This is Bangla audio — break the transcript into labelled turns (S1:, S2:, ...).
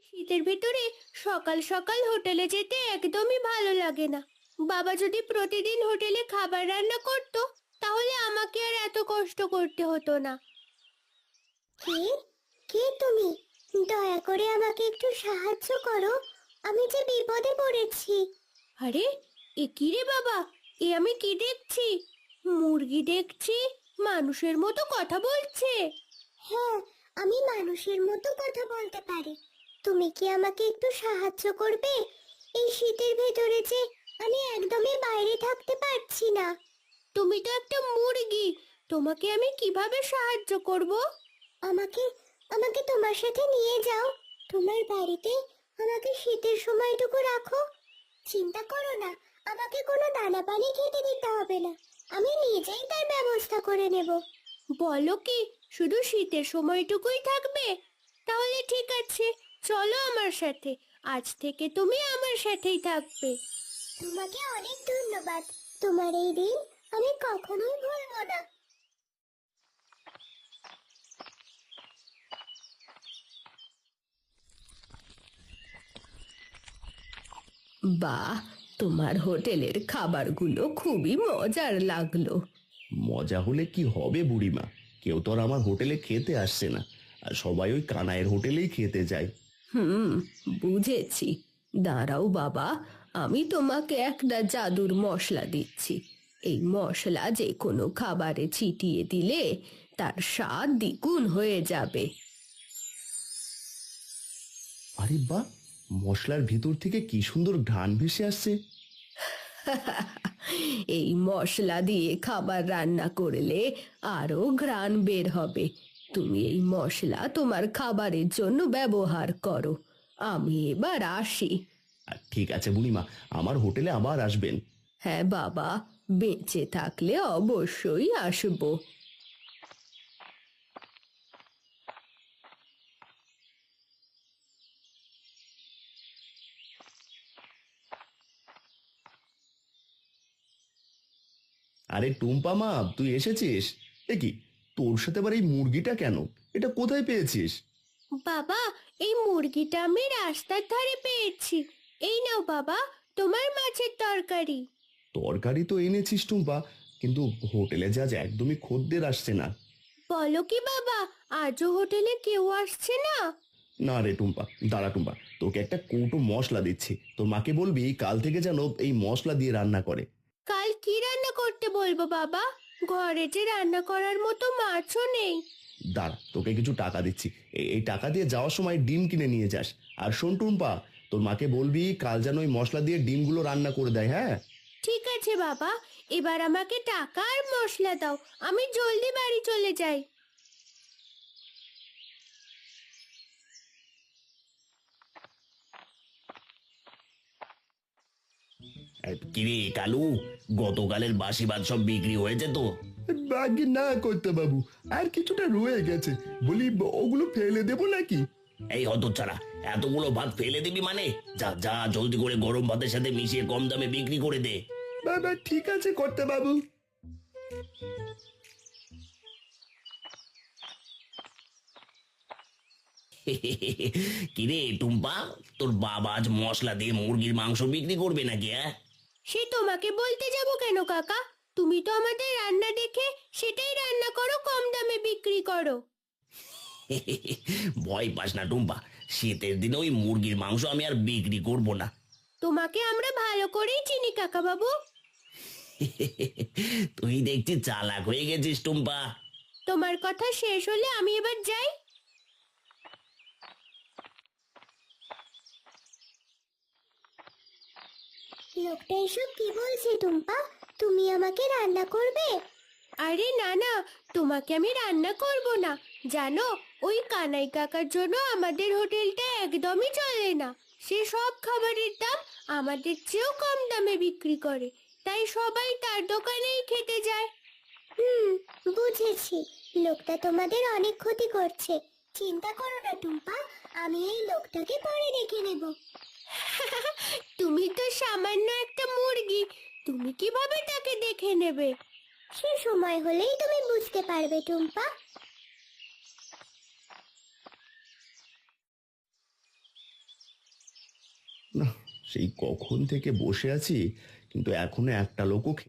S1: শীতের ভিতরে সকাল সকাল হোটেলে যেতে একদমই ভালো লাগে না। বাবা যদি প্রতিদিন হোটেলে খাবার রান্না করতো তাহলে আমাকে আর এত কষ্ট করতে হতো না।
S2: কে কে তুমি? দয়া করে আমাকে একটু সাহায্য করো, আমি যে বিপদে পড়েছি।
S1: আরে, এ কি রে বাবা? এ আমি কি দেখছি? মুরগি দেখছি, মানুষের মতো কথা বলছে।
S2: হ্যাঁ, আমি মানুষের মতো কথা বলতে পারি। তুমি কি আমাকে একটু সাহায্য করবে? এই শীতের ভেতরে যে আমি একদমই বাইরে থাকতে পারছি না।
S1: তুমি তো একটা মুরগি, তোমাকে আমি কিভাবে সাহায্য করব?
S2: আমাকে আমাকে তোমার সাথে নিয়ে যাও, তোমার বাড়িতে আমাকে শীতের সময়টুকু রাখো। চিন্তা করো না, আমাকে কোনো দানা পানি খেতে দিতে হবে না, আমি নিজেই তার ব্যবস্থা করে নেব।
S1: বলো কি, শুধু শীতের সময়টুকুই থাকবে? তাহলে ঠিক আছে, চলো আমার সাথে। আজ থেকে তুমি আমার সাথেই থাকবে।
S2: তোমাকে অনেক ধন্যবাদ, তোমার এই দিন আমি কখনোই ভুলবো না।
S1: বাহ, তোমার হোটেলের খাবারগুলো খুবই মজার লাগলো।
S3: মজা হলে কি হবে বুড়িমা, কেউ তো আর আমার হোটেলে খেতে আসছে না, আর সবাই ওই কানাইয়ের হোটেলেই খেতে যায়।
S1: হুম, বুঝেছি। দাঁড়াও বাবা, আমি তোমাকে একটা জাদুর মশলা দিচ্ছি। এই মশলা যে কোনো খাবারে ছিটিয়ে দিলে তার স্বাদ দ্বিগুণ হয়ে যাবে।
S3: আরে বাহ, মশলার ভিতর থেকে কি সুন্দর ঘ্রাণ ভেসে আসছে।
S1: এই মশলা দিয়ে খাবার রান্না করলে আরো ঘ্রাণ বের হবে। তুমি এই মশলা তোমার খাবারের জন্য ব্যবহার করো। আমি এবার আসি।
S3: আর ঠিক আছে বুড়িমা, আমার হোটেলে আবার আসবেন।
S1: হ্যাঁ বাবা, বেঁচে থাকলে অবশ্যই আসবো।
S3: আরে টুম্পা মা, তুই এসেছিস? এ কি, তোর সাথে আবার এই মুরগিটা কেন? এটা কোথায় পেয়েছিস?
S1: বাবা, এই মুরগিটা আমি রাস্তার ধারে পেয়েছি। এই নাও বাবা, তোমার মাছের তরকারি।
S3: তরকারি তো এনেছিস টুম্পা, কিন্তু হোটেলে যা আজ একদমই খদ্দের আসছে না।
S1: বলো কি বাবা, আজও হোটেলে কেউ আসছে না?
S3: না রে টুম্পা, দাঁড়া টুম্পা, তোকে একটা কৌটো মশলা দিচ্ছি, তোর মাকে বলবি কাল থেকে যেন এই মশলা দিয়ে রান্না করে।
S1: কাল কি রান্না করতে বলবো বাবা? ঘরে যে রান্না করার মতো মাছও নেই।
S3: দাঁড়া, তোকে কিছু টাকা দিচ্ছি, এই টাকা দিয়ে যাওয়ার সময় ডিম কিনে নিয়ে যাস। আর শোন টুম্পা, তোর মাকে বলবি কাল যেন ওই মশলা দিয়ে ডিমগুলো রান্না করে দেয়, হ্যাঁ?
S1: ঠিক আছে বাবা, এবার আমাকে টাকা আর মশলা দাও, আমি জলদি বাড়ি চলে যাই।
S3: কিরে কালু, গতকালের বাসি ভাত সব বিক্রি হয়েছে তো?
S4: বাকি না করতে বাবু, আর কিছুটা রয়ে গেছে, বলি ওগুলো ফেলে দেবো নাকি?
S3: এই হতচ্ছাড়া, এতগুলো ভাত ফেলে দিবি মানে? যা যা, জলদি করে গরম ভাতের সাথে মিশিয়ে কম দামে বিক্রি করে দে।
S4: বাবা ঠিক আছে করতে বাবু।
S3: কিরে টুম্পা, তোর বাবা আজ মশলা দিয়ে মুরগির মাংস বিক্রি করবে নাকি? হ্যাঁ,
S1: সে তোমাকে বলতে যাব কেন কাকা? তুমি তো আমাদের রান্না দেখে সেটাই রান্না করো, কম দামে বিক্রি করো।
S3: ভয় পাস না টুম্পা, শীতের দিনে ওই মুরগির মাংস আমি আর বিক্রি করব না।
S1: তোমাকে আমরা ভালো করেই চিনি কাকা বাবু।
S3: তুই দেখছি চালাক হয়ে গেছিস টুম্পা।
S1: তোমার কথা শেষ হলে আমি এবার যাই।
S2: লোকটা এসব কি বলছে টুম্পা? তুমি আমাকে রান্না করবে?
S1: আরে না না, তোমাকে আমি রান্না করব না। জানো, ওই কানাই কাকার জন্য আমাদের হোটেলটা একদমই চলে না। সে সব খাবারের দাম আমাদের চেয়েও কম দামে বিক্রি করে, তাই সবাই তার দোকানেই খেতে যায়।
S2: হুম, বুঝেছি। লোকটা তোমাদের অনেক ক্ষতি করছে। চিন্তা করো না টুম্পা, আমি এই লোকটাকে পরে দেখে নেব।
S1: তুমি তো সামান্য একটা মুরগি, তুমি কিভাবে তাকে দেখে নেবে?
S2: সে সময় হলেই তুমি বুঝতে পারবে টুম্পা।
S3: না, সেই কখন থেকে বসে আছি কিন্তু এখনো একটা লোকও